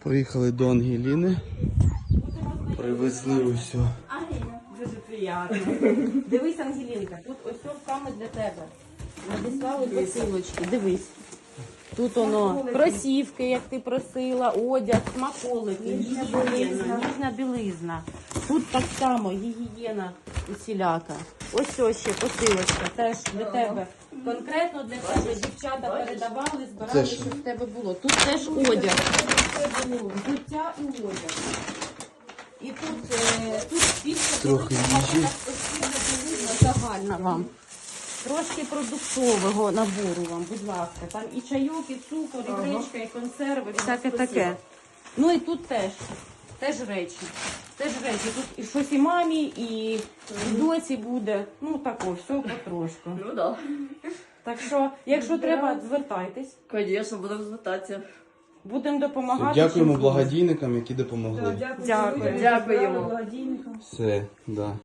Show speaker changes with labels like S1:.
S1: Поїхали до Ангеліни. Привезли усю.
S2: Дуже приємно. Дивись, Ангелінка, тут ось саме для тебе. Надіслали посилочки, дивись. Тут воно кросівки, як ти просила, одяг, смаколики, ніжна білизна. Тут так само гігієна усіляка. Ось ще посилочка, теж для тебе. Конкретно для тебе дівчата передавали, збирали, щоб в тебе було. Тут теж одяг. Взуття і одяг. І тут після
S1: Трохи їжі.
S2: загальна вам. Трошки продуктового набору вам, будь ласка. Там і чайок, і цукор, і гречка, і консерви, всяке таке. Ну і тут теж речі. Теж речі. Тут і щось і мамі, і доці буде. Ну тако, все потрошку.
S3: Ну да.
S2: Так що, якщо треба, звертайтесь.
S3: Звісно, будемо звертатися.
S2: Будемо допомагати.
S1: Дякуємо благодійникам, які допомогли.
S2: Дякую.
S3: Дякуємо.
S1: Все, да.